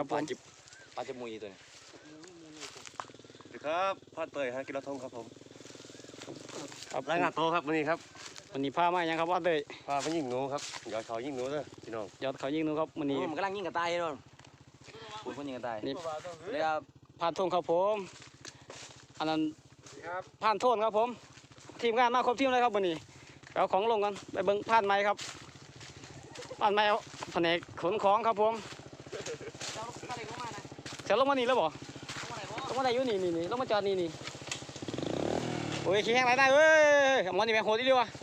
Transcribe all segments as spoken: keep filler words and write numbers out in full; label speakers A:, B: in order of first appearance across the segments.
A: ครับผมปลาจะมุยตัวนี้สวัสดีครับพาเตยฮะกิโลทงครับผมครับรายงานโตครับวันนี้ครับวันนี้พามาอย่างครับว่าเตยพาไปยิงหนูครับยอดเขายิงหนูเลยพี่น้องยอดเขายิงหนูครับวันนี้
B: มันกำลังยิงกระต่ายเลยคุณคนยิงกระต่ายนี่เรียก
A: พานทงครับผมอันนั้นพานโทนครับผมทีมงานมาครบทีมเลยครับวันนี้เอาของลงกันไปเบิ้งพานไม้ครับพานไม้เอาแผนกขนของครับผมเสียลงมานี่แล้วบ่ลงมาได้อยู่นี่นี่นี่ลงมาจอดนี่นี่โอ้ยขี้แห้งไรได้เว้ยมันนี่แม่โหดที่เดียวอะ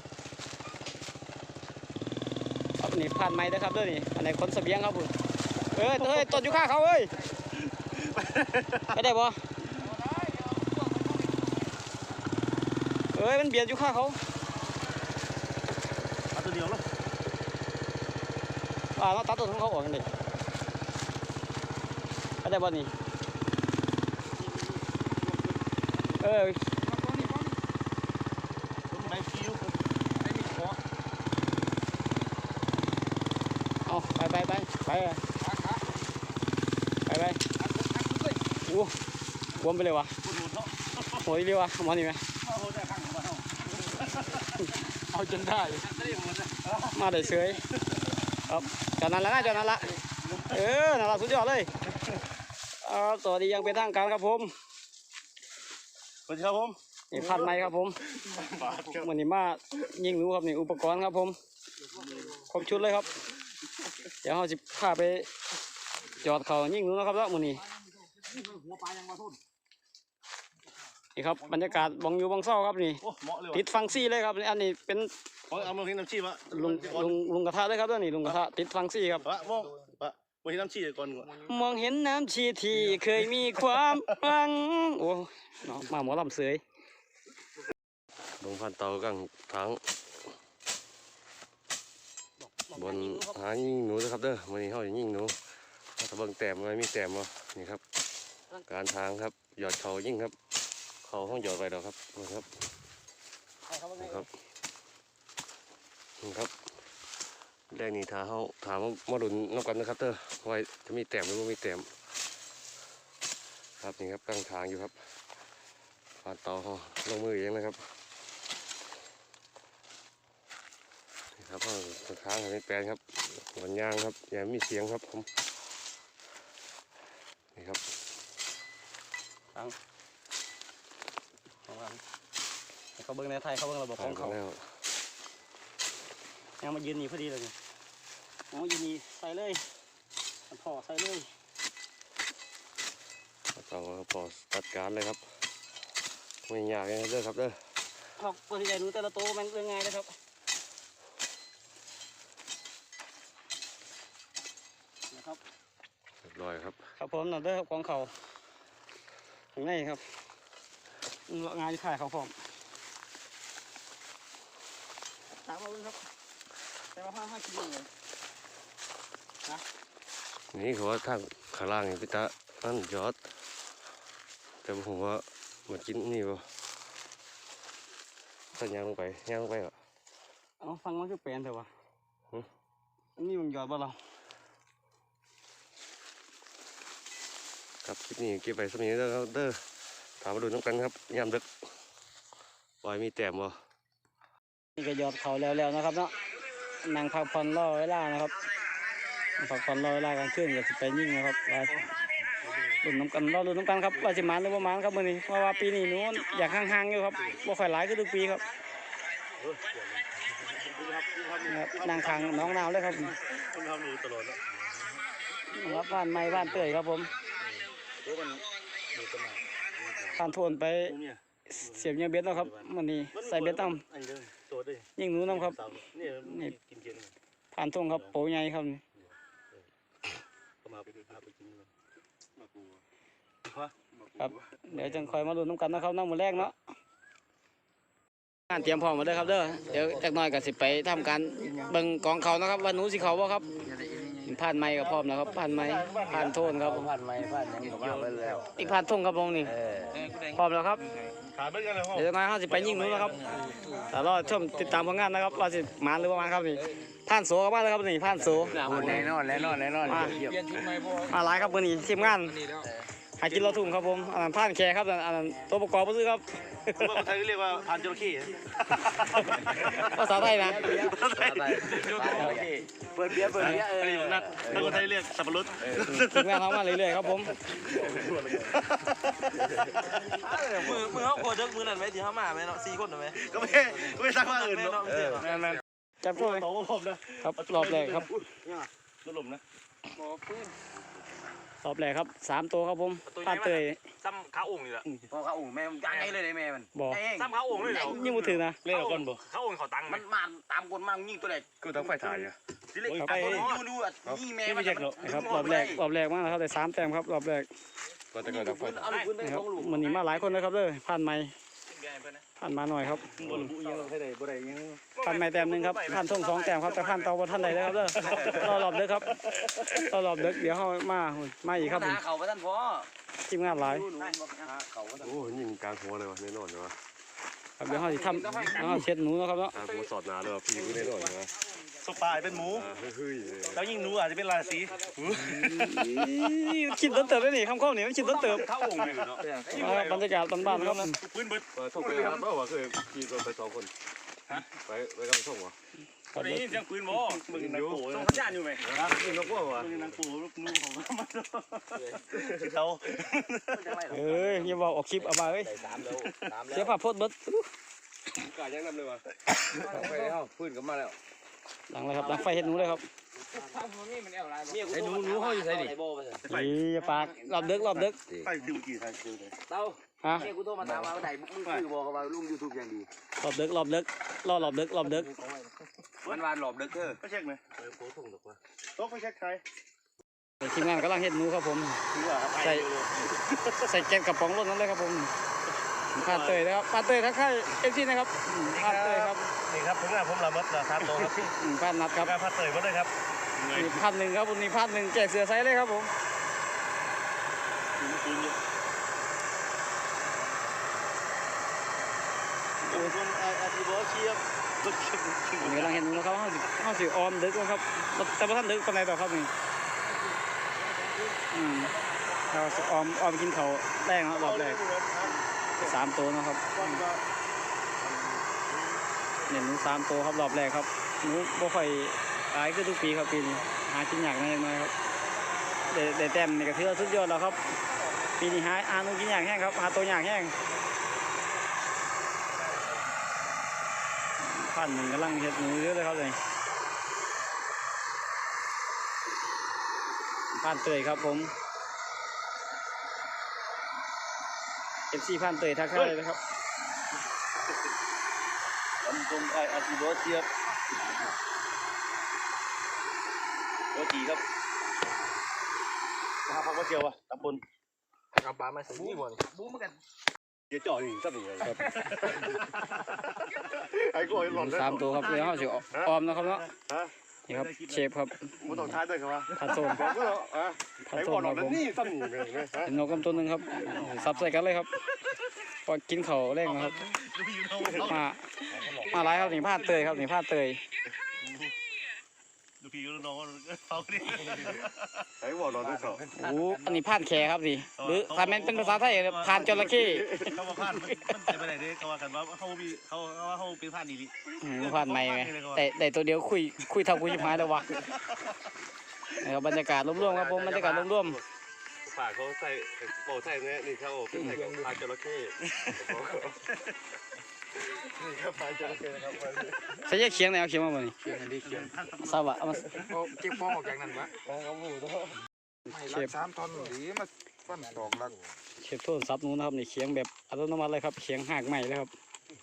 A: ครับนี่พานไม้นะครับเด้อนี่อันไหนขนเสบียงครับผมเอ้ยเฮ้ยต้นอยู่ข้างเขาเอ้ยไม่ได้บ่เอ้ยมันเบียดอยู่ข้างเขาตัดตัวเดียวแล้วอ่าเราตัดตัวของเขาออกกันดิไม่ได้บ่นี่เออเอาไปไปไปไปไปไปโอ้บวมไปเลยวะโหยเรียววะมันนี่ไหมเอาจนได้มาได้เฉยครับจอดนั้นแล้วนะจอดนั้นละเออนั่นละสุดยอดเลยสวัสดียังเป็นทางการครับผมสวัสดีครับผมนี่พันไม้ครับผมวันนี้มายิงหนูครับนี่อุปกรณ์ครับผมครบชุดเลยครับเดี๋ยวเราจะพาไปจอดเขายิงหนูนะครับแล้ววันนี้นี่ครับบรรยากาศบังอยู่บังเศร้าครับนี่ติดฟังซี่เลยครับอันนี้เป็น
C: เอามาทิ้งน้ำชีวะ
A: ลุงลุงลุงกระทะเลยครับตัวนี้ลุงกระทะติดฟังซี่ครับ
C: วะมองวะมองเห็นน้ำชีก่อน
A: มองเห็นน้ำชีที่เคยมีความหวังโอ้มาหมอลำเสย
C: ลงพันเตากังทั้งบนหายิงหนูนะครับเด้อวันนี้เขาจะยิงหนูตะเบิงแต้มไว้มีแต้มวะนี่ครับการทางครับหยอดเขายิงครับเขาห้องหยอดไปแล้วครับนะครับนะครับครับแรกนี่ถาเขาถามมาดุนนอกกันนะครับเด้อไว้จะมีแต้มหรือไม่มีแต้มครับนี่ครับกลางทางอยู่ครับผ่านเตาเขาลงมือเองนะครับนี่ครับเขาทางในแปลงครับวันยางครับอย่ามีเสียงครับผมนี่ครับ
A: ทางเขาเบิ้งในไทยเขาเบิ้งระบบของเขายังมายืนนี่พอดีเลยเนี่ยอ๋อยืนนี่ใส่เลยถอดใส่เลย
C: ต่อพอตัดการเลยครับไม่ยากเลยเด้อครับเด้อ
A: ครับตัวที่ใหญ่หนูแต่ละตัวมันเรื่องง่ายนะครับนะครับ
C: เรียบร้อยครับ
A: ครับผมนั่นเด้อของเขาข้างในครับงานที่ถ่ายเขาพร้อมตามมาเลยครับแต่ว่าห้าห้ากิโลเลยนะ
C: นี่เขาว่าทางข้างล่างนี่พี่ตานั่นยอดแต่ผมว่ามากินนี่ป่ะสัญญาลงไปย่างลงไปเหรอ
A: เอาฟังมันคือแปลนเถอะวะอันนี้มันยอดบ่เรา
C: ครับคลิปนี้เก็บไปสักนิดเด้อเด้อถามมาดูน้ำกันครับยามดึกปล่อยมีแต้มบ่
A: นี่ก็ยอดเขาแล้วๆนะครับเนาะนั่งพักผ่อนรอเวลานะครับพักผ่อนรอเวลากลางคืนก็จะไปยิ่งนะครับว่าลุ้นน้ำกันรอลุ้นน้ำกันครับว่าจะมาหรือว่ามาครับมื่อนี้เพราะว่าปีนี้นู้นอยากห่างๆอยู่ครับบ่ค่อยหลายก็ทุกปีครับนั่งทางน้องนาวเลยครับครับบ้านไม้บ้านเตยครับผมผ่านโทนไปเสียบยาเบ็ดแล้วครับวันนี้ใส่เบ็ดตั้มยิงหนูน้ำครับนี่ผ่านทงครับโปใหญ่ครับครับเดี๋ยวจังคอยมาลุ้นน้ำกันนะครับน้ำมือแรกเนาะงานเตรียมพร้อมมาเลยครับเด้อเดี๋ยวจักหน่อยก็สิไปทำการเบิ่งกองเขานะครับว่าหนูสิเขาบ่ครับผ่านไม้กับพร้อมนะครับผ่านไม้ผ่านโทนครับ
B: ผ่านไม้ผ่านยังบอกว่าไปแล้ว
A: อีกผ่านทงครับผมนี่พร้อมแล้วครับ
C: ขาเบิ้งกันเลยห้อง
A: เดี๋ยวมาเขาจะไปยิงหนูนะครับแต่รอชมติดตามผลงานนะครับว่าจะมาหรือว่ามาครับนี่ผ่านโสกับมาเลยครับนี่ผ่านโส
B: แน่นอนแน่นอนแน่นอน
A: มามาหลายครับมือนี้ทีมงานหากินเราทุ่งครับผมอันนั้นผ่านแคร์ครับอันนั้นตัวประกอบก็ซื้อครับ
C: ว่าคนไทยเรียกว่าพันจระเข้
A: ภาษาไทยนะ
B: เปิดเบียร์เปิดเบียร์เออ
C: อันนี้นัดถ้าคนไทยเรียกสับปะรด
A: ทีมงานเขามาเรื่อยๆครับผม
D: มือมือเขาโคตรมือนั่นไหมที่เขามาไหมเนาะสี่คนไหม
C: ก็ไม่ก็ไม่สร้างว่าอื่นเนาะ
A: จับช่วย
C: โตผมนะครับ
A: รอบแรกครับ
C: รถลมนะ
A: รอบแรกครับสามตัวครับผมผ่านเตย
D: ซ้ำขาองค์นี่แหละ
B: พอเขาอุ่งแม่มันยังไงเลยแม่มัน
A: บอก
D: ซ้ำขาองค์เลยเหรอ
A: ยิ่งมือถือนะ
C: เล่นก่อนบ่
D: ขาองค์เขาตังค์ไหม
B: มันมาตามคนมายิงตัวไหน
C: ก็ต้องไฟถ่ายอ่ะ
B: ทีเล็กตัวนี้ดูดูยิงแม่มัน
A: นะครับรอบแรกรอบแรกมากนะครับแต่สามแต้มครับรอบแรก
C: ก็จะเกิดไฟ
B: เอาลูกปืนไป
A: นะค
B: ส
A: รับ
B: องลูก
A: มันนี้มาหลายคนนะครับเลยผ่านไม้ผ่านมาหน่อยครับ
C: บนบุยังให้ได้บ่ได้ยัง
A: ผ่านไม้แต้มหนึ่งครับผ่านส่งสองแต้มครับแต่ผ่านเตาบนท่านใดเลยครับเด้อรอรอบเด้อครับรอรอบเด้อเดี๋ยวเขามามาอีกครับ
B: หาเขาไปท่านพ่อ
A: ทีมงานหลาย
B: ดูหนูเขาไปท่าน
C: โอ้ยิงกลางหัวเลยวะแน่นอนเลยวะ
A: ครับเดี๋ยวเขาจะทำแล้วเขาเช็ดหนูนะครับเนาะ
C: กลางหัวสอดหนาเลยวะพี่กูแน่นอนเลยวะ
E: สปายเป็นหมู
C: เฮ้ย
E: แล้วยิ่งหนูอาจจะเป็นราศี
A: คิดต้นเติบได้นี่คำข้อนี้มันคิดต้นเติบ
E: เข้าองค์เลยเนาะ
A: บรรยากาศบ้านๆนะครับ
E: ปืนเบิด
C: ส่งไปครับเมื่อวานเคยขี่รถไปสองคนไปไปกันส่งวะ
E: ตอนนี้เสียงปืนบ่มึงนางโป้
D: ส่งสัญญาณอยู่ไหม
C: นี่นกว่าวะ
E: มึงนางโป้ลูกนูของมันเขา
A: เอ้ยอย่าบอกออกคลิปเอาไปเอ้ย
B: สามแล้วสามแล้ว
A: เสียภาพโพสต์เบิด
C: กายังนำเลยวะ
B: ไปแล้วพื้นก็มาแล้ว
A: หลังเลยครับหลังไฟเห็ดหนูเลยครับ
B: ไอ้หนูหนูเขาอยู่ไหนดิ
A: นี่ปากรอบดึกรอบดึก
E: ไปดูกี่ทางดูเลย
B: เต้า
A: ฮะ
B: เนี่ยกูโทรมาตามมาไหนมึงคือบอกว่าลุงยูทูบอย่างดี
A: รอบดึกรอบดึกรอรอบดึกรอบดึก
B: มันวานหลบเด็กเธอ
E: ก็เช็คไหมโต๊ะไปเช็คใคร
A: ทีมงานกำลังเห็ดหนูครับผม
E: คือว่า
A: ใส่ใส่แกนกระป๋องรถนั้นเลยครับผมผ่านเตยนะครับผ่านเตยทักทายเอฟซีนะครับผ่านเตยครับ
E: นี่ครับผมผมละมัดละสามโต๊ะครับ
A: อืมผ่านนัดครับ
E: การพัดเตยมาด้วยครับ
A: นี่พันหนึ่งครับวันนี้พันหนึ่งแจกเสือไซส์เลยครับผมวันนี้กำลังเห็นหนูนะครับห้าสิบห้าสิบออมดึกนะครับแต่ว่าท่านดึกปานใดต่อครับนี่อืมเราสิออมออมกินเขาวแรกครับรอบแรกสามตัวนะครับเนี่ยหนูสามตัวครับรอบแรกครับหนูบ่ค่อยขายคือทุกปีครับปีนี้หากินยากนิดหน่อยครับเดเดแต้มนี่ก็ถือว่าสุดยอดแล้วครับปีนี้หาอาหนูกินยากแห้งครับหาตัวยากแห้งพันหนึ่งกำลังเห็ดหนูเยอะเลยครับเลยพันเตยครับผมเอฟซีพันเตยทักทายเลยนะครับ
E: ผมตรงไออาร์ติโบเชียบโรตีครับข้าวผักกระเจียวอ่ะตำบล
D: เอาปลามาสินี่บ่
B: บูมเหมือนกัน
C: เดี๋ยวจ่อนี่สักหนึ่งครับไอ้กูหล่นแล้ว
A: สามตัวครับเดี๋ยวเขาสิออมนะครับเนาะ
C: ฮะ
A: นี่ครับเชฟครับ
C: มันต้องท้ายด้วยครับว่า
A: ผัดโซน
C: บอกก็อ่ะ
A: ผัด
C: ไอ้
A: โซ
C: บอน ล
A: ค
C: หล่
A: รั
C: น
A: บ
C: แล้ว
A: ผม
C: นี่สักหนึ่งเลยฮะ
A: เป็นนกกำตัวหนึ่งครับซับใส่กันเลยครับพอกินเขาวแรงนะครับ มามาหลายครับนี่พลาดเตยครับนี่พลาดเตย
E: ดูพี่ก็น้องเขาดิ
C: ไอ้บอลหล่นด้วยสอง
A: โอ้อันนี้พลาดแขครับนี่หรือถ้ามันเป็นภาษาไทยพานจระเข้
E: เขามาพลาดมันเต็มไปไหนเด้เขาว่ากันว่าเขามีเขาว่าเขาเป็นพลาดดีลิ
A: อืมพลาดไม่ไหมแต่แต่ตัวเดียวคุยคุยเท่ากูชิบหายแล้ววะนะครับบรรยากาศร่วมๆครับผมบรรยากาศร่วม
C: ปากเขาใส่โปใส่เนี่ยนี่เขาเป็นใส่กับปลาจระเข้นี่ครับปลาจระเข้นะครับ
A: ๆใส่แยกเคียงไหนเอาเคียงมาบ่นี่
B: เขียนอันนี้เขียน
A: ทราบว่าเอามา
B: เก็บป้องออกจากนั้นวะ
A: เชฟ
B: สามตอนหรือมาฟันสองลัก
A: เชฟโทษซับหนูนะครับนี่เคียงแบบอัตโนมัติเลยครับเคียงหากใหม่เลยครับ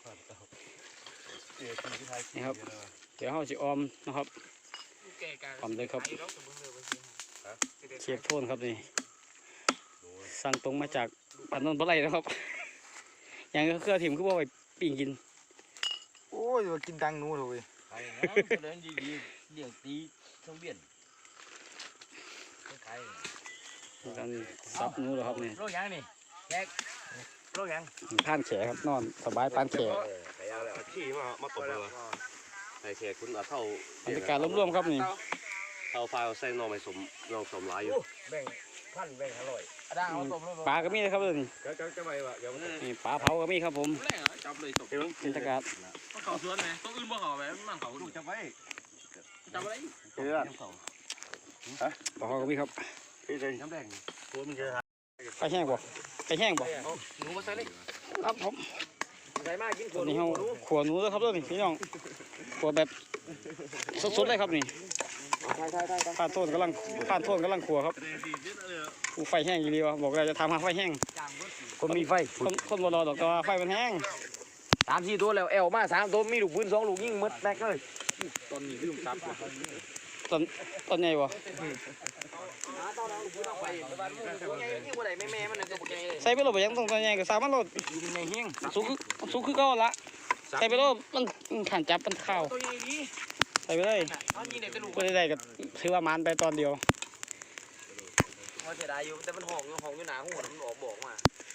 A: นี่ครับเดี๋ยวเราสิออมนะครับออมเลยครับเชฟโทนครับนี่สั่งตรงมาจากพันนนท์ปลาไหลนะครับอย่างเครือถิ่มคือว่าไปปิ้งกิน
B: โอ้ยกินดังนู้นเลย
D: ไอ้นะเดินดีๆเลี้ยงตีช่องเบี้ยนขาย
A: การซับหนูเหรอครับนี่
D: โรคยังนี่แขก
E: โรคยัง
A: ผ่านแขครับนอนสบายปานแข
C: ไปเอาแล้วขี้มามาตบเลยไอ้แขกคุณเอาเท่า
A: บรรยากาศร่วมๆครับนี่
C: เท่าฟ้าใส่นองไปสมนองสมหลายอยู่
E: แบ่งพันแบ่งอร่อย
D: ด่างเอาต้มเลย
A: ปลาก็มีเลยครับนี่
C: ก็ก็จะไปว่าเดี๋ยวมัน
A: นี่ปลาเผาก็มีครับผม
D: แรงจับเลยตบบ
A: รรยากาศ
D: มันเขาสวนไหมต้องอื่นบ่เขาไหมมันเขาดูจับไว้จับอะไร
C: เชื่อ
A: ปลาเผาก็มีครับ
C: พี่เจนน้ำแดง
E: ตัวมันเยอะ
A: ไปแห้งบ่ไปแห้งบ่
D: หนูมาใส่เลย
A: ครับผม
D: ใส่มากกิน
A: ตอนนี้เราขัวหนูแล้วครับเด้อนี่พี่น้องขัวแบบสดๆเลยครับนี่ผ่านโทษกำลังผ่านโทษกำลังขัวครับผู้ไฟแห้งอยู่ดีวะบอกเลยจะทำหาไฟแห้ง
B: คนมีไฟ
A: คนคนบ่รอดอกแต่ว่าไฟมันแห้ง
B: สามสี่ตัวแล้วแอลมาสามตัวมีลูกปืนสองลูกยิงหมดแตกเลย
D: ตอนนี้ลืมซับ
A: ต้นต้นใหญ่บ่
D: ไปตัวใหญ่ยิ่งกว่าไหนแม่แม่มันเลยตัวใหญ่เลย
A: ใส่ไปโลดบ่ยังต้องต้นใหญ่ก็สามารถโลด
D: ในเฮียง
A: สูงคือสูงคือเก่าละใส่ไปโลดมันมันขันจับมันเข้า
D: ตัวใหญ่ดี
A: ใส่ไปเลย
D: ตอนนี้เด็กจะลูก
A: เพื่อได้ก็ถือว่ามันไปตอนเดียว
D: เขาเสียดายอยู่แต่มันห้องห้องอยู่หนาหัวมันออกบอกมา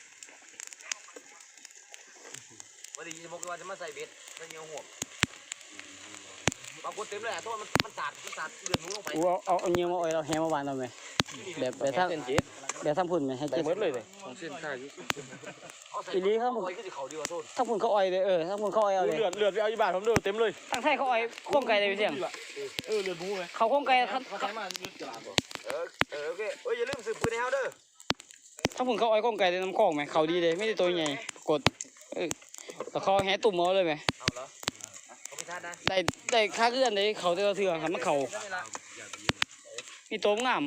D: วันนี้จะบอกว่าจะมาใส่เบ็ดแล้วยังห่วงบางคนเต็มเลยอ่ะเพราะมันมันสาดมันสาดเลือดหนูลงไป
A: กูเอาเอาเอาเงี้ยมาอ้อยเราแฮมาบานเราไหมแบบแบบทั้งแบบทั้งพุ่นไหมให้เจ็ดเลยเลย
D: ของเส้นข้าอยู่เอาใส่
A: อีลีครับ
D: เอาไว้ก็จะเขาดีกว่าโทษ
A: ทั้งพุ่นเขาอ้อยเลยเออทั้งพุ่นเขาอ้อยเอาเลย
E: เลือดเลือดไปเอาอยู่บ้านผมเลือดเต็มเลย
A: ทั้งไทยเขาอ้อยโค้งไก่เลยพี่เสียง
E: เออเลือดหมูเลย
A: เขาโค้งไก่เขา
E: เขาใช้มายืดกระลาบ
D: เออเออโอเคเอ้ยอย่าลืมสืบปืนในเฮาเด้อ
A: ทั้งพุ่นเขาอ้อยโค้งไก่ในน้ำคลองไหมเขาดีเลยไม่ได้ตัวใหญ่กดเออแต่เขาแฮตุ่มเอาเลยไหม
D: เอาเหรอเขาพิชาตินะ
A: ได้ได้ค่าเลื่อนเลยเขาเตือนเถื่อนครับมันเขามีตัวงาม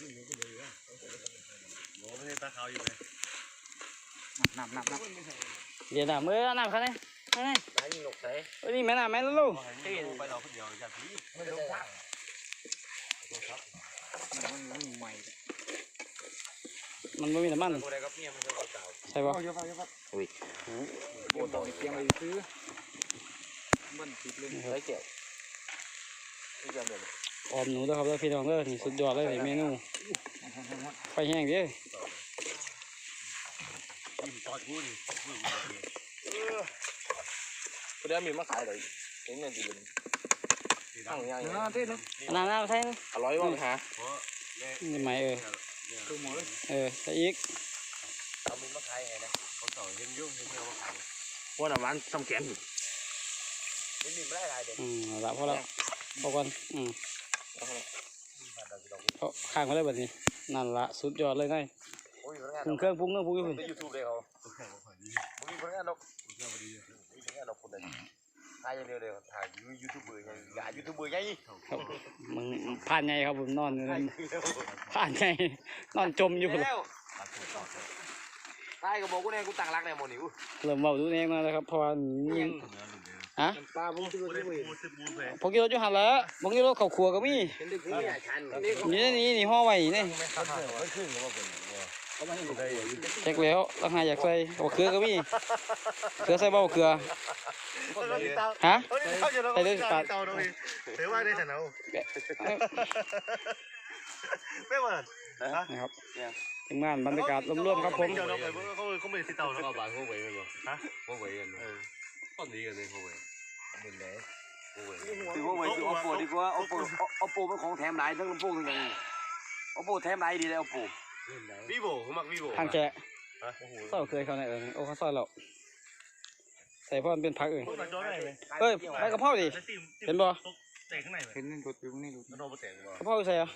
E: โอ้ไม่ใช่ตาขาวอยู่เลย
A: น้ำน้ำน้ำเดี๋ยวน้ำเมื่อน้ำเขาเนี่ยนี่
D: ไหนมีหนกใส่
A: เอ้ยนี่แม่น้ำแม่ลูก
D: ที่ไปเราคนเดียวจากที่ไม่ลงทาง
A: มันไม่มีน้ำมัน
D: ตัวใดกับเมียมันจะเอาเก่า
A: ใช่ปะ
D: โอ้ต้องเตรียมไปซื้อมันติดเลยใส่แก้วที่จะเดิน
A: ออมหนูด้วยครับแล้วพี่น้องเด้อนี่สุดยอดเลยนี่เมนูไฟแห้งเด้อ
E: ยิ้มตอดกูนี่
D: คนเดียวมีมาขายเลยเห็นเงินตีนตั้งยังไง
A: น้ำน้ำใช่
D: อร่อยว่ะฮะ
A: นี่ไหมเออเออใส่อีก
D: เอามีมาขายไงนะ
E: เขาต่อเห็นยุ่งเห็นเงาขาว
D: ว่าหน้ามันทำแขนนี่มีไม่ได้ไรเด็ก
A: อืมเอาละพอแล้วพอก่อนอืมเขาข้างมาเลยแบบนี้นั่นละสุดยอดเลยไง
D: โอ้ยพนักงาน
A: ปรุงเครื่องปรุงเครื่องปรุงอยู่
D: ในยูทูบเลยเขามึงมีพนักงานเรามีพนักงานเราคนเดียวถ่ายอย่างเดียวเลยถ่ายยูทูบเบอร์ไงอย่ายูทูบเบอร์ไง
A: ครับมึงผ่านไงครับผมนอนอยู่นั่นผ่านไงนอนจมอยู่
D: แล้วถ่ายกับบอกกูเนี่ยกูตั้งรักในโมนิว
A: เริ่มเบาดูเองมาแล้วครับเพราะว่านี่ฮะ
D: ปลาผมซื้อ
E: กูได้
D: ที่
E: กูซื้อปูเลย
A: พวกกิโลจุหันแล้วพวกกิโลข้าวขัวก็มี
D: เป็นดึกนี่ชันนี่
A: นี่นี่นี่ห่อไว้นี่เช็คแล้วราคาอยากใส่บะเขือก็มีเขือใส่บ่บะเขือฮะ
E: ใส่ด้วยปลาเตาตรงนี้เดี๋ยวว่าได้แต่เนาไม่หมด
A: นะครับทีมงานบรรยากาศร่วมๆครับผม
E: เดี๋ยวเราไปเขาเขาไม่ติดเตาแล้ว
C: ก็บานหัวเว่ยกันบ่
E: ฮะ
C: หัวเว่ยกันเออต้นนี้กันเลยหัวเว่ย
B: ถือว่าไว้คือ oppo ดีกว่า oppo oppo เป็นของแถมหลายทั้งลำโพงทั้งอย่างนี้ oppo แถมหลายดีเลย oppo
C: วิโบผมมักวิโบ
A: ทางแกะซอยเคยเขาไหนเออโอ้เขาซอยเราใส่เพราะมันเป็นผักเอง
E: พวกเราจ้อได้ไหม
A: เอ้ยใบกะเพราดิ เห็นบ่
E: แตกข้างในไหม
B: เห็นนี่รถอยู่นี่รถ
E: มันโดนแตกบ่
A: กะเพราใส่เหรอ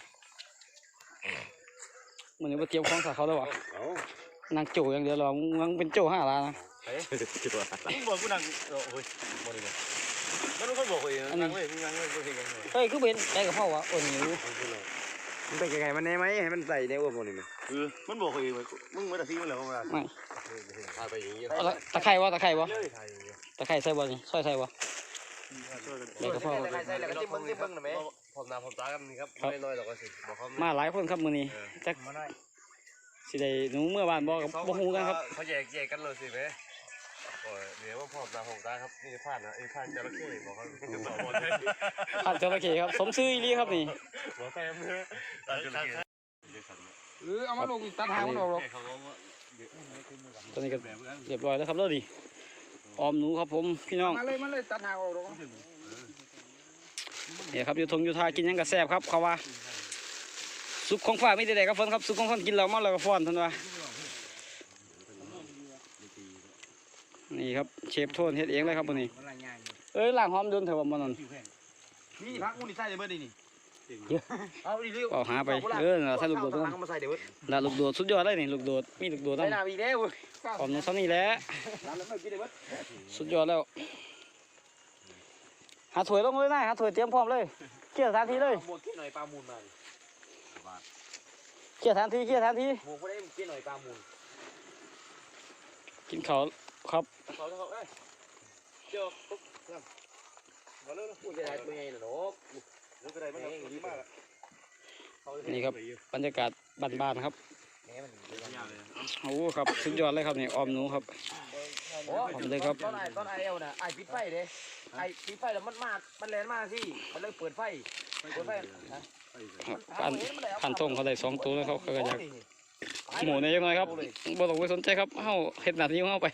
A: มันนี่มาเตรียมของใส่เขาแล้ววะนางโจอย่างเดียวหรอมึงเป็นโจห้าล้านนะ
E: มึงบอกกูนั่งโอ้ยบ่ได้เลยมันต้องบอกเองนั่งเว้ยมึงนั่งเว้ยบ่เห็นกันเลย
A: เฮ้ยคือเป็นใบกะเพราวะโอ้ยหิว
B: มันเป็นยังไงมันแน่ไหมให้มันใส่ในอ้วนหมดเลยมั้ย
E: เออมันบอกเองมึงไม่ได้ซีมันแล้วมึงอ่ะ
A: ไม่
C: พาไปอย่างนี้
A: เอาละตะไคร้วะตะไคร้วะตะไคร้ใส่บ่นี่ซอยใส่บ่ใบกะเพรา
D: ใส่แล้วก็จิ้มมึงจิ้มมึงหน่อยไหม
C: พร้อมหน้าพร้อมตากันนี่ครับไม่น้อยหรอกก็สิบอกเขา
A: มาหลายคนครับมื้อนี้จักสิได้หนูเมื่อวานบ่กับบ่ฮู้กันครับ
C: เขาแยกแยกกันเลยสิแม่โอ้ยเดี๋ยวว่าพร้อมหน้าพร้อมตาครับนี่ผ่านนะไอ้ผ่านจระเข้บอกเขาบอกหมดเลย
A: ผ่านจระเข้ครับสมซื่ออีหลีครับนี่
C: บอกแฟมเลยจระเข้
B: เออเอามาลงตัดหางมันออกหรอก
C: เขาบอกว่า
A: ตอนนี้ก็เรียบร้อยแล้วครับแล้วดิออมหนูครับผมพี่น้อง
B: มาเลยมาเลยตัดหางออกหรอก
A: เนี่ยครับอยู่ทงอยู่ทากินหยังกระแซบครับเขาว่าซุปของฝากไม่ได้แต่กับฝนครับซุปของฝนกินแล้วมาแล้วก็ฟ้อนท่านว่านี่ครับเชฟโทนเฮ็ดเองเลยครับวันนี้เอ้ยล้างหอมโดนเถอะว่ามันนั่น
B: นี่พักมูนี่ใส่เลยเบิดนี่เอาดิเร็ว
A: เอาหาไปเออใส่ลูกโดด
B: ตั
A: ตัว ว
B: มาใส่เดี๋ยว
A: ลาลูกโดดสุดยอดเลยนี่ลูกโดดมีลูกโดด
B: ใส่
A: ตั้ง
B: น้ำอีกแล้ว
A: ออมหนูซ้ำนี่แหละ
B: น้ำแล้วไม่กินเลยเบิด
A: สุดยอดแล้วหาถ้วยลงเลยนะหาถ้วยเตรียมพร้อมเลยเกี่ยวทันทีเลย
B: หมวกกินหน่อยปลามูลมา
A: เกี่ยวทันทีเกี่ยวทันที
B: หมวกไม่ได้กินหน่อยปลามูล
A: กินข้าวครับ
B: เขาเขาเอ้ยเจ้ามาเลยพูดจะได้ตัวใหญ่หน่อยนก
D: ก็ได้ไม่ดีมาก
A: นี่ครับบรรยากาศบ้านๆครับ
B: แหมมัน
A: โอ้ครับสุดยอดเลยครับนี่ออมหนูครับ
B: โอ้เลยครับตอนไอ้ตอนไอ้เอวน่ะไอ้ปิดไฟเด้ไอ้ปิดไฟแล้วมันมามันแรงมากสิมันเลยเปิดไฟเปิดไฟ
A: ครับพันพันทงเขาได้สองตัวแล้วเขาก็อยากหมูเนี่ยยังไงครับบ่ต้องไปสนใจครับเฮาเฮ็ดหน้าที่ของเฮาไป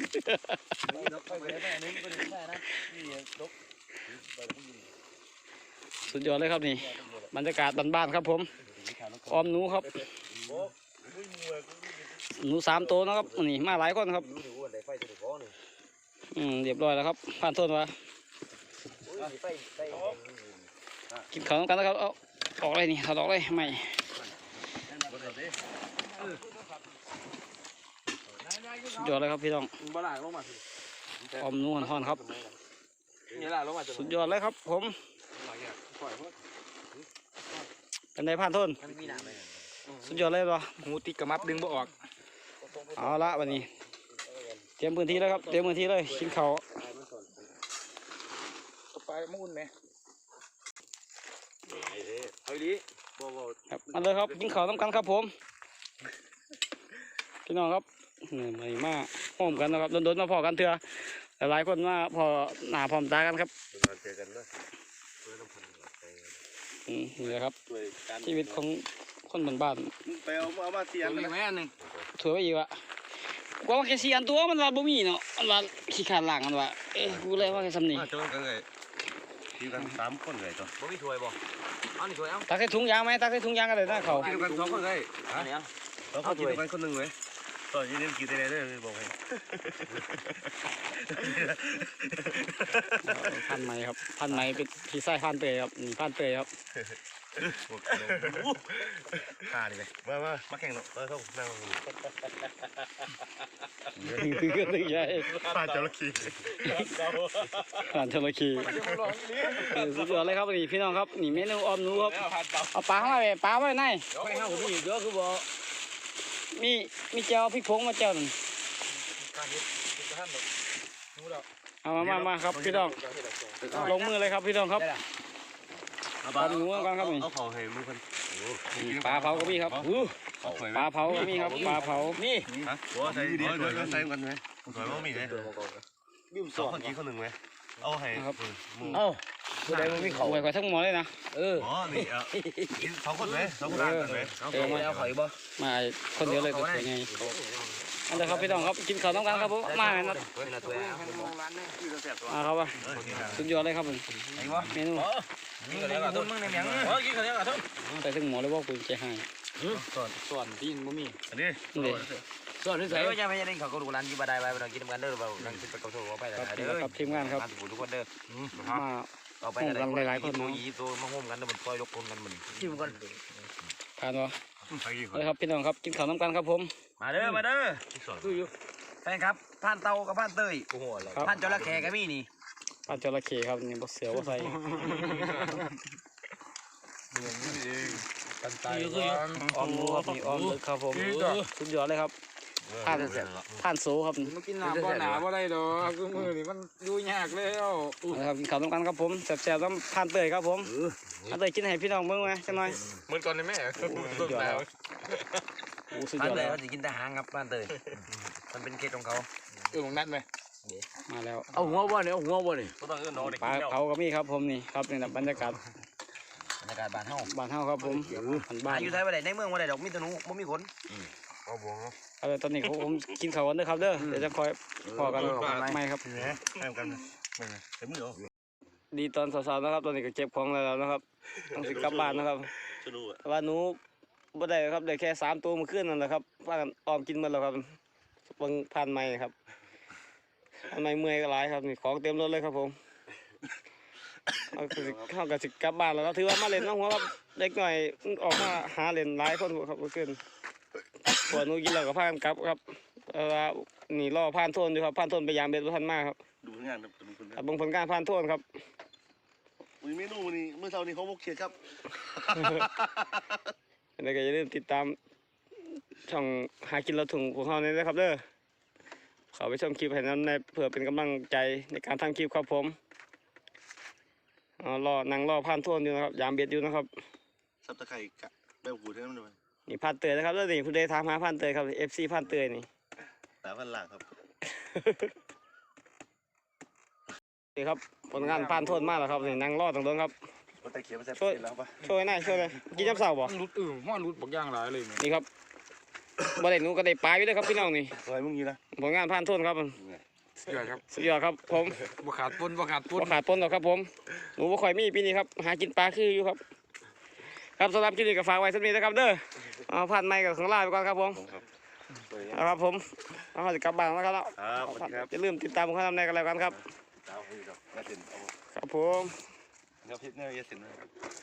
A: สุดยอดเลยครับนี่บรรยากาศบ้านๆครับผมออมหนูครับหนูสามตัวนะครับนี่มาหลายคนครับอืมเรียบร้อยแล้วครับผ่านโทษว่ากินข้าวกันนะครับเอาออกเลยนี่ถอดออกเลยไม่สุดยอดเลยครับพี่น้อง
B: บ้าหลังลงมา
A: ออมหนูห่อนๆครับ
B: นี่หลังลงมา
A: สุดยอดเลยครับผมเป็นไงผ่านโทษ
B: มันมีหนามไหม
A: สุดยอดเลยป่ะ
B: หูติดกระมับดึงบ่ออก
A: เอาละวันนี้เตรียมพื้นที่แล้วครับเตรียมพื้นที่เลยกินข้าว
B: ไปมุ่นไหมเฮ้ยดิบ่บ่
A: ครับมาเลยครับกินข้าวน้ำกันครับผมพี่น้องครับนี่มามาพร้อมกันนะครับโดนๆมาพอกันเถอะหลายคนมาพอหน้าพร้อมตากันครับ
D: เจอกันด้วย
A: อืมนี่แหละครับชีวิตของคนบ้าน
D: ไปเอาเอามาเตียง
B: มีแม่หนึ่ง
A: ๆถือไว้อีกวะกว่าแค่สี่อันตัวมันว่าบ่มีเนาะมันว่าขี้ขาดหลังมันว่าเอ้ยกูเลยว่าแค่สำนี
D: มาจนกันเลยทีกันสามคนเลยตัว
B: บ่มีถ้วยบ่เอาหนึ่งถ้วยเอา
A: ตักใส่ถุงยางไหมตักใส่ถุงยางกันเลยนะเขา
D: กินกันสองคนเลย
B: อันนี้
D: เราเขากินกันคนหนึ่งเลยตอนนี้กินได้เลยบอกให้
A: พันไหมครับพันไหมเป็นพี่ไส้พันเตยครับนี่พันเตยครับ
D: ขาดิเลยมามามาแข่งเนาะเราต้องนั่ง
A: นี่คือเรื่องใหญ่
D: ปลาจระเข้
A: ผ่านจระเข้เออสุดยอดเลยครับนี่พี่น้องครับนี่เมนูออมหนูครับเอาปลาเข้ามาไปปลาไว้ไหน
B: ไม่เอามีเยอะคือบ่
A: มีมีเจ้าพริกผงมาเจ้าหนึ่งเอามามามาครับพี่น้องลงมือเลยครับพี่น้องครับปลาหนูกันครับนี่
D: เอาเขาให้มือคน
A: ปลาเผาก็มีครับอู้ปลาเผาก็มีครับปลาเผานี่
D: ฮะหัวใส่เดี๋ยวเดี๋ยวใส่กันไหมสวยมากมีไหมสองคนกินคนหนึ่งไหมเอาให้ครับ
B: เอ้าผู้ใดมันมีเขา
A: ไว้กว่าทั้งหมดเลยนะ
B: เออ
D: อ๋อนี่อ่ะกินสองคนไหมสองคนกันไหม
B: เอาเขาไม่เอาเขาอีกบ่
A: มาคนเดียวเลยก็สวยไงอันเดียวครับพี่น้องครับกินข้าวต้องกันครับผมมาเลยนะ
B: เป็นถ้วยเอา
A: มาครับว่าสุดยอดเลยครับผม
B: ไอ้บ่
A: เมนู
B: กินกันแล้วก็ต้องมึงในเมียงเออกินกันแล้วก็ต้อง
A: ใส่ถึงหมอเลยว่าคุณจะให้
B: ส่วนที่บ่มี
D: อันนี้
A: นี่เลย
B: ส่วนที่ใส่ก็จะไม่ได้เขาก็ดูร้านกินบ่ได้ไปบ่ต้องกินกันเด้อบ่นั่งกินไปกับโซ่ไป
A: ครับ
B: เด้
A: นี่
B: อ
A: ครับทีมงานครับ
B: ทุกคนเด้อ
A: มา
B: ต่อไปกันหลายๆคนตัวยีตัวมาโฮมกันแล้วมันซอยยกคนกันมันชิมกัน
A: ทานวะ
D: ไปกี่คน
A: เลยครับพี่น้องครับกินข้าวน้ำกันครับผม
B: มาเด้อมาเด้อแฟนครับผ่านเตากับผ่านเตย
A: ครับ
B: ผ่านจระเข้ก็มีนี่
A: ปลาจระเข้ครับนี่บดเสือว่าใส่
B: กันตาย
A: ออมหมูครับนี่ออมเลยครับผมสุดยอดเลยครับท่านท่านโซครับ
B: มันกินหนาบ่หนาบ่ได้ดอกคือมือนี่มันดูยากแล้ว
A: นะครับกินข้าวน้ำกันครับผมแซ่บๆต้องท่านเตยครับผมท่านเตยกินให้พี่น้องเบิ่งไหมจังหน่อย
D: เหมือนก่อนเลยแม่
A: สุดยอดแล้วโอ้สุด
B: ผ่าย น
A: อด
B: เตย
A: แล้ว
B: เขาจะกินแต่หางครับผ่านเตยมันเป็นเคล็ดของเขา
E: เออของนัดไหม
A: มาแล้ว
B: เอาหัวบ่เนี่ยเอาหัวบ่เนี่ย
D: ก็ต้องเอื้อนน้องเด็ก
A: ปลาเผาก็มีครับผมนี่ครับนี่นะบรรยากาศ
B: บรรยากาศบ้านเฮา
A: บ้านเฮาครับผมบ้านบ้าน
B: อยู่ไทยบ่ได้ในเมืองบ่ได้ดอกมีแต่หนูบ่มีขน
D: เอาบวงเนาะ
A: เอาตอนนี้ผมกินข้าวกันเด้อครับเด้อเดี๋ยวจะคอยพอกันไม่ครับ
E: แหมให้กันไม่ไงเต็มมือเหรอ
A: ดีตอนสาวๆนะครับตอนนี้ก็เก็บของแล้วนะครับต้องสิกลับบ้านนะครับ
E: สนุกอ่ะ
A: แต่ว่าหนูบ่ได้ครับได้แค่สามตัวเมื่อคืนนั่นแหละครับพากันออมกินหมดแล้วครับเบิ่งผ่านไม้ครับผ่านไม้เมื่อยก็หลายครับนี่ของเต็มรถเลยครับผมเอาก็สิเข้ากับสิกลับบ้านแล้วก็ถือว่ามาเล่นน้องหัวครับเด็กหน่อยออกมาหาเล่นหลายคนครับเมื่อคืนพวกหนูกินแล้วก็พากันกลับครับเออว่านี่รอผ่านโทนอยู่ครับผ่านโทนไปยามเบ็ดบ่ทันมาครับ
E: ดูผลงานครับดูผลงา
A: อ่ะ
E: น
A: เบิ่งผลการผ่านโทนครับ
E: มีเมนูนี่เมื่อเช้านี้เขาบกเขียดครับ
A: แล้วก็อย่าลืมติดตามช่องหากินเราถุงของเขาเนี่ยนะครับเด้อเขาไปชมคลิปให้นั้นในเพื่อเป็นกำลังใจในการทำคลิปครับผมเอารอนั่งรอผ่านโทนอยู่นะครับยามเบ็ดอยู่นะครับ
E: ซับตะไคร่กะแบบหูเท่านั้นเลย
A: นี่ผ่านเตยนะครับแล้วนี่ผู้ใดถามหาผ่านเตยครับ เอฟ ซี ผ่านเตยนี่
E: แต่พันหลังครับ
A: นี่ครับผลงานผ่านโทนมากแล้วครับนี่นั่งรอตรงนั้นครับ
B: มันตะเขียบมันจะ
A: ช่วย
B: แล้วปะ
A: ช่วยหน่อยช่วยเลยกินจับเสาบ่
F: รุดเออห้อนรุดบักย่างหลายเลยเนี่ย
A: นี่ครับบ่ได้หนูก็ได้ปลาอยู่เลยครับพี่น้องนี่
B: สวยมึงอยู่นะ
A: ผลงานผ่านโทนครับ
F: สุดยอดครับ
A: สุดยอดครับผม
F: บ่ขาดปนบ่ขาดปน
A: บ่ขาดต้นหรอกครับผมหนูบ่ค่อยมีปีนี้ครับหากินปลาคืออยู่ครับ ครับสำหรับคลิปนี้ก็ฝากไว้สักนิดนะครับเด้อเอาผ่านไม้กับของลาไปก่อนครับผมเอาครับผมเอาจะกลับบ้านแล้วครับ
E: ครับสวัสดีครับ
A: อย่าลืมติดตามผมข้างในกันแล้วกันครับ
E: ตามผมอยู่ครับแม่เต็นเอา
A: ครับผม
E: ครับเพชรเนี่ยยาเต็นนะครับ